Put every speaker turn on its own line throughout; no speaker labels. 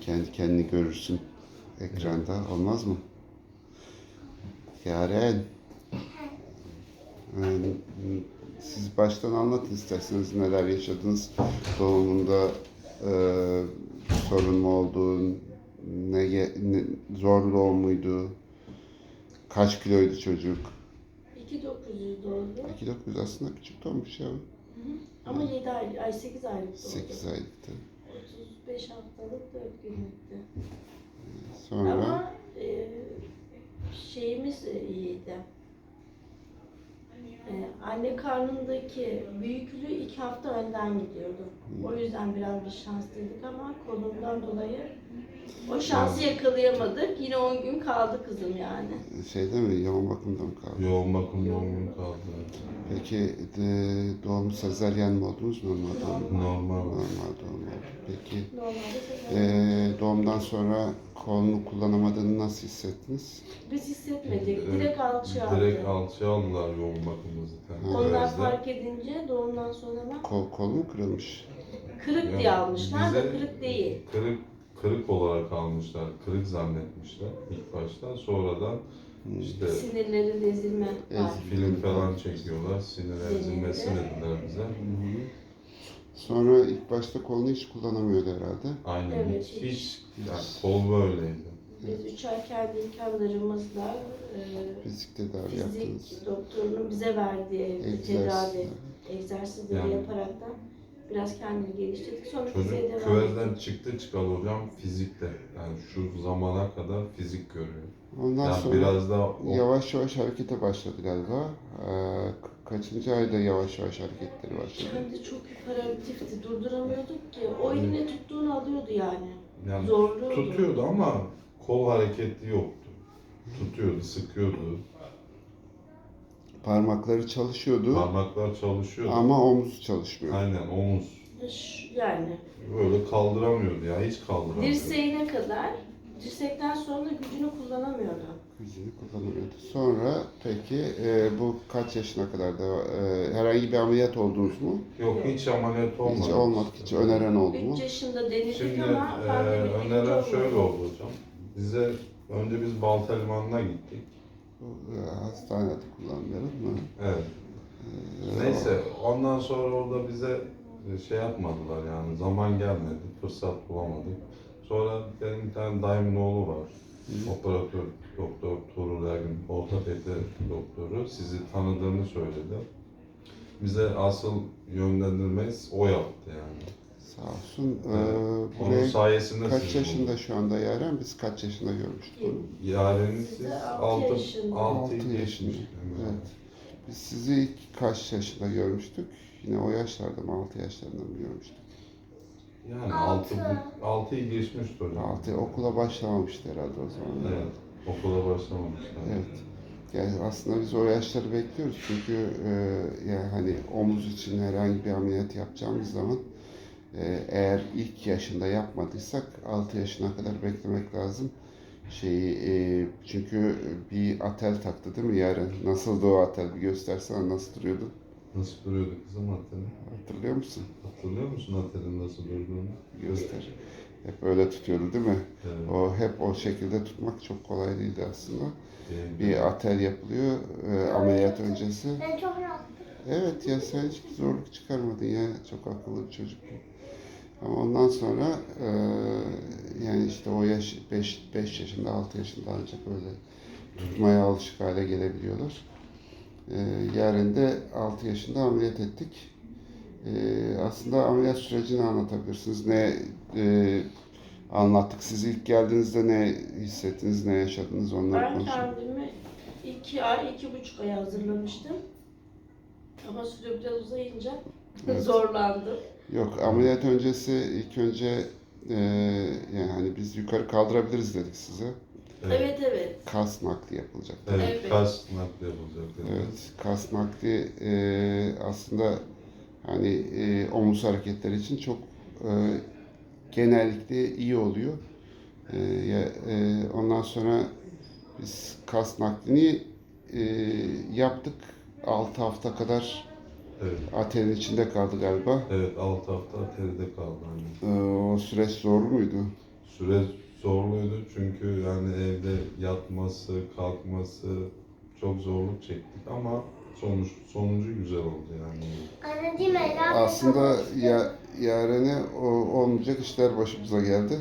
kendi kendini görürsün ekranda. Olmaz mı? Yaren. Yani, siz baştan anlatın isterseniz neler yaşadınız. Doğumunda sorun mu oldu? Zor doğum muydu? Kaç kiloydu çocuk?
2.900 doğdu.
2.900 aslında küçük doğmuş ya.
Hı hı. Ama 7 ay, 8 aylık doğdu.
8 aylıktı.
35 haftalık 4 günlüktü.
Sonra
Ama şeyimiz iyiydi. Anne karnındaki büyüklüğü 2 hafta önden gidiyordu. O yüzden biraz bir şanslıydık ama kolundan dolayı o şansı yakalayamadık. Yine 10 gün kaldı kızım yani.
şeyde mi, yoğun bakımda mı kaldı?
Yoğun bakımda 10 gün kaldı.
Peki doğum sezaryen mi oldunuz, normal doğum mu?
Normal.
Normal doğum oldu. Peki
Normalde
doğumdan sonra kolunu kullanamadığını nasıl hissettiniz?
biz hissetmedik. Direkt alçıya aldı.
Direkt alçıya aldılar yoğun bakımda zaten.
Onlar
Gözde.
fark edince doğumdan sonra hemen
Kol mu kırılmış?
kırık
Yani
diye almışlar da
bize
kırık değil.
Kırık olarak almışlar. Kırık zannetmişler ilk başta. Sonradan işte
Sinirleri ezilme var.
film falan çekiyorlar. Sinir ezilmesi
Denildi.
dediler bize.
Sonra ilk başta kolunu hiç kullanamıyordu herhalde.
Aynen.
Evet,
Hiç yani kol böyleydi.
Biz 3 ay kendi imkanlarımızla
Fizik tedavi
fizik
yaptınız.
doktorunun bize verdiği tedavi, egzersizleri
Yani.
yaparak da biraz kendini geliştirdik. Sonra
Çocuk
fiziğe devam
küvezden
ettik.
çıktı çıkalı hocam fizikte. Yani şu zamana kadar fizik görüyor.
Ondan
Yani
sonra
biraz daha
yavaş yavaş harekete başladı galiba. Kaçıncı ayda yavaş yavaş hareketleri başladı?
Kendi çok hiperaktifti, durduramıyorduk ki. O eline tuttuğunu alıyordu yani.
yani
Zorluyordu.
tutuyordu ama kol hareketi yoktu. Tutuyordu, sıkıyordu.
Parmakları çalışıyordu
Parmaklar çalışıyordu.
ama omuz çalışmıyor.
Aynen omuz.
Yani
Böyle kaldıramıyordu ya, hiç kaldıramıyordu.
dirseğine kadar, dirsekten sonra da gücünü kullanamıyordu.
Gücünü kullanamıyordu. Sonra peki bu kaç yaşına kadar da herhangi bir ameliyat oldunuz mu?
Yok hiç ameliyat olmadı.
Hiç olmadı. Hiç öneren oldu mu?
3 yaşında denedik
Şimdi
ama farklı bir bilinci
öneren
olmadı.
şöyle oldu hocam. Bize önce biz Balta Limanı'na gittik.
Hastanede kullanmayalım mı?
Evet. Neyse ondan sonra orada bize şey yapmadılar yani zaman gelmedi, fırsat bulamadık. Sonra benim bir tane dayımın oğlu var. Operatör doktor Tuğrul Ergin, ortopedi doktoru sizi tanıdığını söyledi. Bize asıl yönlendirmeyiz o yaptı yani.
Sağ olsun.
Onun
Buraya
sayesinde
kaç
sizi
yaşında
bulduk.
şu anda Yaren? Biz kaç yaşında görmüştük onu?
Yaren'i siz
Size
6
altı yaşında.
6
yaşında.
geçmiş.
Evet. Biz sizi ilk kaç yaşında görmüştük? Yine o yaşlarda mı? 6 yaşlarında mı görmüştük?
Yani 6'yı geçmişti hocam.
6 okula başlamamıştı herhalde o zaman.
Evet. Okula başlamamışlar.
Evet. Yani aslında biz o yaşları bekliyoruz çünkü yani hani omuz için herhangi bir ameliyat yapacağımız zaman eğer ilk yaşında yapmadıysak 6 yaşına kadar beklemek lazım. Çünkü bir atel taktı değil mi yarın? Nasıldı o atel? Bir göstersene nasıl duruyordu?
Nasıl duruyordu kızım Atel'in?
Hatırlıyor musun?
Hatırlıyor musun Atel'in nasıl durduğunu?
Göster. Hep öyle tutuyordu değil mi?
Evet.
O hep o şekilde tutmak çok kolay değildi aslında.
Değil.
Bir atel yapılıyor ameliyat öncesi.
Ben çok rahatım.
Evet ya sen hiç zorluk çıkarmadın ya. Çok akıllı bir çocuk. Ama ondan sonra yani işte o yaş 5 yaşında 6 yaşında ancak öyle tutmaya alışık hale gelebiliyorlar. Yarın da 6 yaşında ameliyat ettik. Aslında ameliyat sürecini anlatabilirsiniz. Ne anlattık? Siz ilk geldiğinizde ne hissettiniz, ne yaşadınız onları
Ben
konuşalım.
kendimi 2 ay, 2,5 ay hazırlamıştım. Ama süre biraz uzayınca
Evet.
zorlandım.
Yok, ameliyat öncesi ilk önce yani hani biz yukarı kaldırabiliriz dedik size.
Evet, evet.
Kas nakli yapılacak.
Evet,
Evet.
kas nakli yapılacak.
Evet, kas nakli aslında hani omuz hareketleri için çok genellikle iyi oluyor. Ondan sonra biz kas naklini yaptık. 6 hafta kadar
Evet.
atelin içinde kaldı galiba.
Evet, 6 hafta Atel'de kaldı anne.
O süreç zor muydu?
Süreç zorluydu çünkü yani evde yatması, kalkması çok zorluk çektik ama sonucu güzel oldu yani.
Anneciğim Ela
Aslında Yaren'e olmayacak işler başımıza geldi.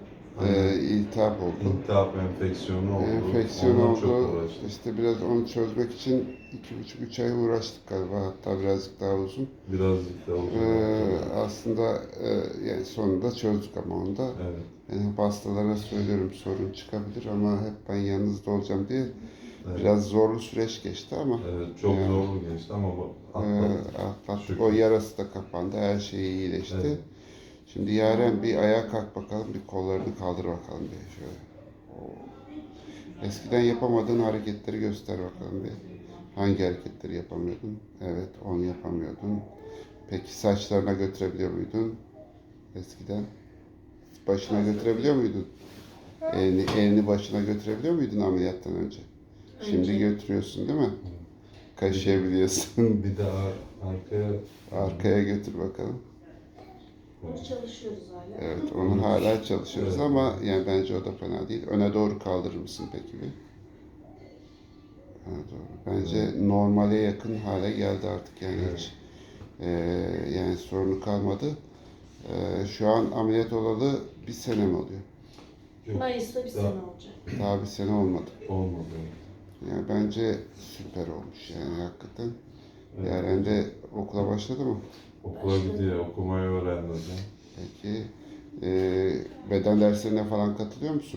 İltihap oldu.
İltihap enfeksiyonu oldu.
Enfeksiyon
Onunla çok
oldu.
uğraştık.
İşte biraz onu çözmek için 2,5-3 ay uğraştık galiba. Hatta birazcık daha uzun.
Birazcık da oldu.
Aslında yani sonunda çözdük ama onu da.
Evet.
Ben hep hastalara söylüyorum sorun çıkabilir ama hep ben yanınızda olacağım diye.
Evet.
Biraz zorlu süreç geçti ama
Evet, çok
yani,
zorlu geçti ama
atlattık.
Şükür.
O yarası da kapandı. Her şey iyileşti.
Evet.
Şimdi Yaren bir ayağa kalk bakalım. Bir kollarını kaldır bakalım bir şöyle. Oo. Eskiden yapamadığın hareketleri göster bakalım bir. Hangi hareketleri yapamıyordun? Evet, onu yapamıyordun. Peki saçlarına götürebiliyor muydun? Eskiden. Başına götürebiliyor muydun? Elini başına götürebiliyor muydun ameliyattan önce? Şimdi götürüyorsun değil mi? Kaşıyabiliyorsun.
Bir de arkaya
Arkaya götür bakalım.
Onu çalışıyoruz hala.
Evet, onu hala çalışıyoruz
Evet.
ama yani bence o da fena değil. Öne doğru kaldırır mısın peki bir? Ha, doğru. Bence normale yakın hale geldi artık yani
Evet.
hiç yani sorunu kalmadı. Şu an ameliyat olalı 1 sene mi oluyor?
Yok,
Mayıs'ta bir sene olacak.
Daha 1 sene olmadı.
olmadı.
Yani bence süper olmuş yani hakikaten.
Evet.
Yaren de okula başladı mı?
Okula gidiyor, okumayı öğrendi.
Peki beden derslerine falan katılıyor musun?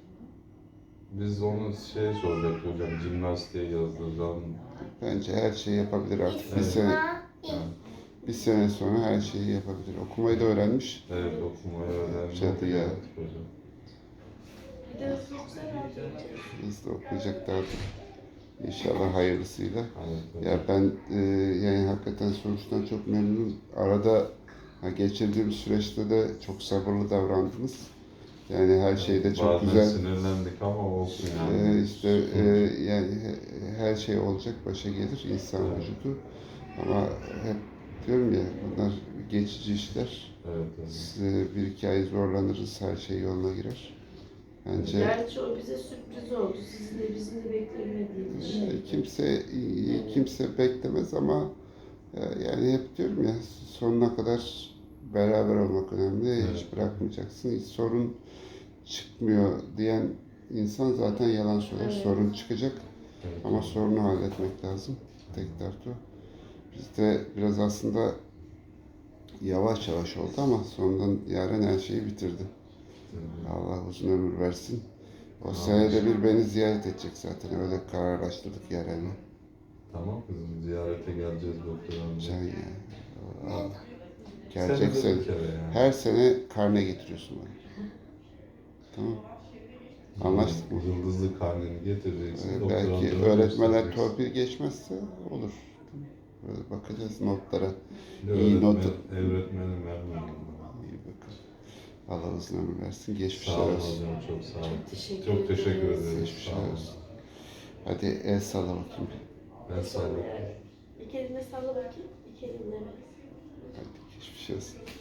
Biz onu soracaktık hocam, jimnastiğe yazdıracağım.
Bence her şeyi yapabilir artık.
Evet. Yani,
Bir sene sonra her şeyi yapabilir. Okumayı da öğrenmiş.
evet, okumayı öğrendi.
Cadı ya.
Hocam.
Bir de hızlıca yapacağız.
Biz de okuyacaktı artık. İnşallah hayırlısıyla.
Evet,
Ya ben yani hakikaten sonuçtan çok memnunum. Arada geçirdiğim süreçte de çok sabırlı davrandınız. Yani her şeyde çok
bazen
güzel.
sinirlendik ama olsun yani.
İşte yani her şey olacak, başa gelir insan
Evet.
vücudu. Ama hep diyorum ya bunlar geçici işler.
Evet, evet.
1-2 ay zorlanırız, her şey yoluna girer. Bence
Gerçi o bize sürpriz oldu. Sizin de bizim de beklemediğimiz şey.
kimse beklemez ama yani hep diyorum ya sonuna kadar beraber olmak önemli. Hiç
Evet.
bırakmayacaksın. Hiç sorun çıkmıyor diyen insan zaten yalan söyler.
Evet.
Sorun çıkacak
Evet,
ama
evet.
sorunu halletmek lazım. Tek dert o. Bizde biraz aslında yavaş yavaş oldu ama sonradan Yaren her şeyi bitirdi. Allah uzun ömür versin. O
Amin.
senede bir beni ziyaret edecek zaten. Öyle kararlaştırdık Yaren'le.
Tamam kızım, ziyarete geleceğiz doktor amca.
Sen ya. Allah.
Senede
Geleceksen
bir kere yani.
her sene karne getiriyorsun bana. Tamam. Anlaştık mı?
Yıldızlı karneni getireceksin. doktor
Belki
amcana
öğretmenler
göstereceksin.
torpil geçmezse olur. Böyle bakacağız notlara.
Bir
İyi not.
öğretmenim memnunum.
İyi bakın. Allah uzun ömür versin. Geçmişler
Sağ olun
olsun.
hocam, çok sağ olun.
Çok teşekkür ederiz.
ederiz.
Geçmişler
Sağ olun.
olsun. Hadi el salla bakayım.
Ben sağ olun.
İki eline salla bakayım. İki elinle.
Hadi geçmiş olsun.